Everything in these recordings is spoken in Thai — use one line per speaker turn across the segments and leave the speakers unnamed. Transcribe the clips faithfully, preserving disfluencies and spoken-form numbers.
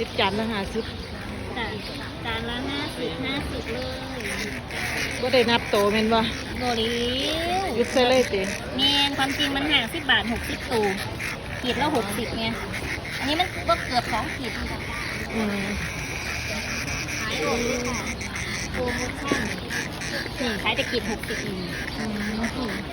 สิบจานละห้าสิบ
จ้ะจานละห้าสิบห้าสิบเลย
ก็ได้นับโตแม่นบ่
โบริว
ยุดใส่เลยติ
เมนความจริงมันห่างสิบบาทหกสิบตูขีดละหกสิบไงอันนี้มันก็เกือบสองขีด
อืม
ขายออกด้วยค่ะโปรโมชั่นนี่ขายแต่ขีดหกสิบอืม
อืมส้ม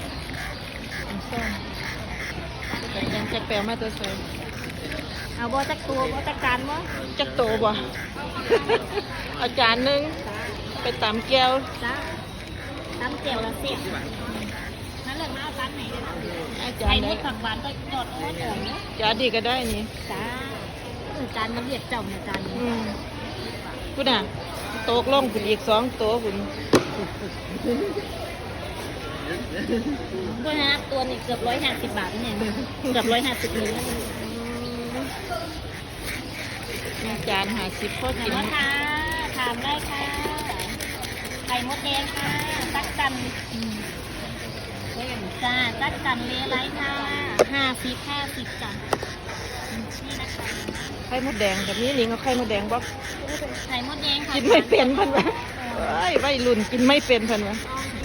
แต่ยังจะแปลมาตัวใส่
เอาบ่จักตัวบ่จักจานบ่
จักโตบ่ อาจารย์นึงไปตามแก้ว
จ้าน้ำเจียวละเสียนั่นเลยมาเอาจานไหนเลยนะ
อาจาร
ไข่
ย์ไหน
มดผักหวานก็จอดอ้อนอ่อนเนาะ
จานดีก็ได้นี่
จ้าจานมันเรียกเจ้าเนี่ยจานนี้
อืมคุณน่ะโต๊ะลงคุณอีกสองโต๊ะคุณ
ตัวนะตัวนี้เกือบร้อยห้าสิบบาทเนี่ยเกือบร้อยห้าสิบนิ้ว
จานห้าสิบพอกิน
ค่ะถามได้ค่ะไข่มดแดงค่ะตักกันจ้าตักกันเลไลค่ะห้าสิบห้าสิบจ้ะนี่นะคะ
ไข่มดแดงแบบนี้ลิงเอาไข่มดแดงบอก
ไข่มดแดงค่ะ
กินไม่เป็นพันวะไอ้ใบรุ่นกินไม่เป็นพันวะ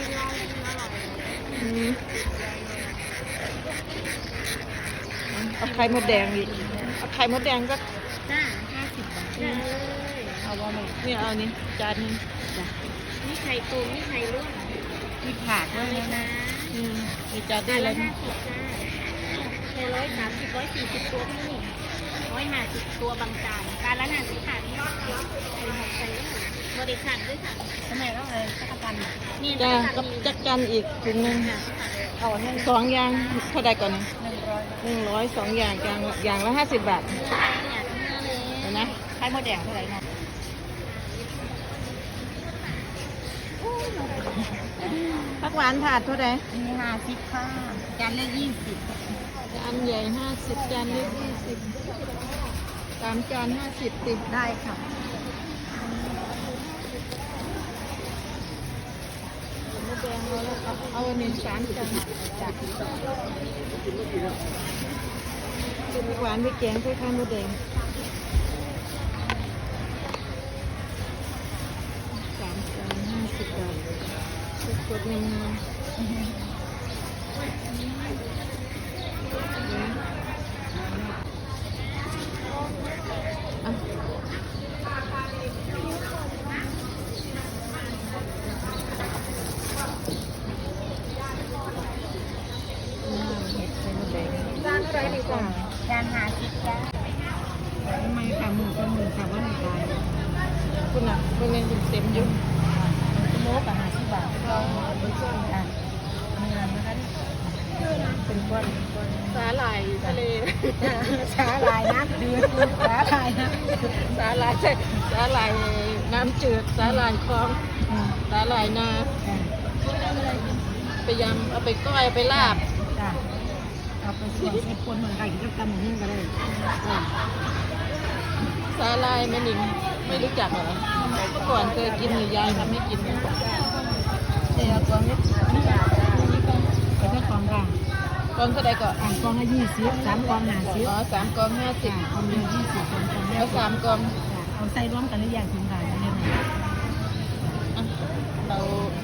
เอาไข่มดแดงอีกเอาไข่มดแดงก็
จ้าห้าสิบบาท
เอาว่าไม่นี่เอานี่จานนึง
จ้ะนี่ไข่ตูมนี่ไข่ร่วง
มีผักด้วยนะอืมมีจานได้เลย
ห้าสิบจ้าในร้อยสามสิบร้อยสี่สิบตัวพี่ร้อยห้าสิบตัวบางจานจานละห้าสิบขาดนี่ใส่หมดใส่เลยบริการด้วยค่ะทำไมต้องเลยจักรจันนี่
จ้ากับจักรจันอีกถุงนึงเอาสองอย่างเท่าใดก่อนนะหนึ่งร้อยสองอย่างอย่างอย่างละห้าสิบบาทเห็นไหม
ไข่มดแดงเท่าไหร่นะ
ผักหวานถาดเท่าไหร่
มีห้าสิบค่ะจานละยี่สิบ
จานใหญ่ห้าสิบจานเล็กยี่สิบสามจานห้าสิบติด
ได้ค่ะ
มดแดงเอาแล้วเอาเอาหนึ่งสามจานจากผักหวานไปแกงไปข้าวมดแดงสามจานห้าสิบบาทสดๆงาม
จานอะไรดีกว่าจานหาสิบจ้า
ทำไมขาหมูกับหมูขาว่าหนึ่งตายคุณอ่ะคุณเงินคุณเต็มยุ่ง
โลกับหาสิบบาทเราเป็นส่วนอ่ะมีอะไรนะคะ
เป็นก้อนสาหร่ายทะเล
สาหร่ายน้ำจืดสาหร่ายนะ
สาหร่ายใช่สาหร่ายน้ำจืดสาหร่ายคลองสาหร่ายนาไปยำเอาไปก้อยไปลาบ
เอาไปส่วนให้คนเหมือนไก่ที่กำมือก็ได้
สาหร่ายแม่นิงไม่รู้จักเหรอเมื่อก่อนเคยกินหรือยายทำให้กินเ
ดี๋ยวกองนี้
เอาแค่กองกลางกองเท่าไรก็
อ่างกองละยี่สิบสามกองห้าสิบ
อ๋อสามกองห้าสิบ
กองเดียวยี่สิบสองกอง
เอาสามกอง
เอาใส่ร่วมกันหรือยังคุณขายได้ไหม
เรา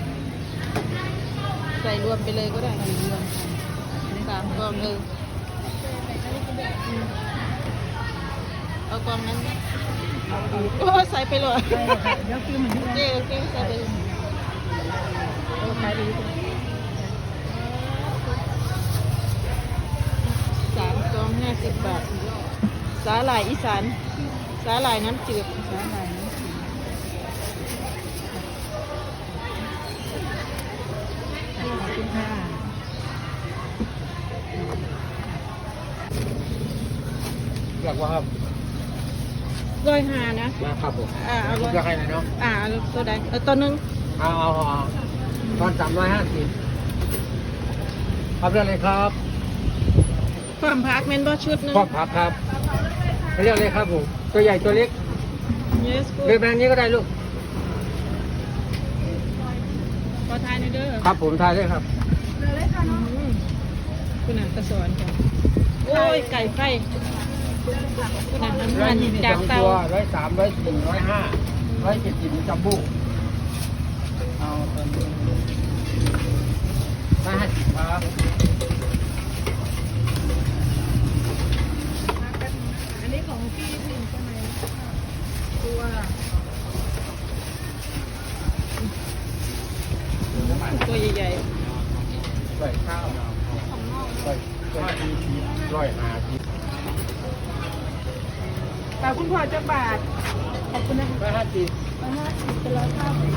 ใส่รวมไปเลยก็ได้รวมสามกองเออเอากองนั้นโอ้ใส่ไปเลย
เดี๋ยวคือเหมือน
เจ๊โอเคใส่ไปสามกองห้าสิบบาทสาหร่ายอีสานสาหร่ายน้ำจืดสาหร่ายน้ำจืด
ขอบคุณค่ะ
อยากว่าครับ
ร้อยห้านะ
นะครับผม
อ่าเอาร้อย
จะให้ไหนเนาะ
อ่าตัวใดเออตัวนึง
เอาเอาเอาตอนสามร้อยห้าสิบครับเรื่องอะไรครับ
ความพักเมนบอชุดนึง
ความพักครับเรื่องอะไรครับผมตัวใหญ่ตัวเล็ก
yes
เลือกแบบนี้ก็ได้ลูก
ขอทายหน่อยเด้อ
ครับผมทายได้ครับ
คุณอ่านกระสอนค่ะโอ้ยไก่ไฟคุณอาหาร
ร้อย
มัน
ยี่สิบ
จาก
สอง
เตา
ตัวร้อยสามร้อยสี่ร้อยห้าร้อยเจ็ดสิบจัมโบ้เอาตอนนี้ร้อยห้าสิบครับ
อันนี้ของพี่พิมใช่ไหมตัวตัวใหญ่
ร้อยข้าวร้อยร้อยสี่สิบร้อยห้าสิบ
ๆแต่คุณพ่อจะบาทขอบคุณนะคะ
ร้อยห้าสิบ
ร้อยห้าสิบเป็นร้อยห้าสิบ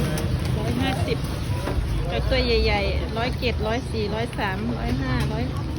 ร้อยห้าสิบจากตัวใหญ่ๆร้อยเจ็ดร้อยสี่ร้อยสามร้อยห้าร้อย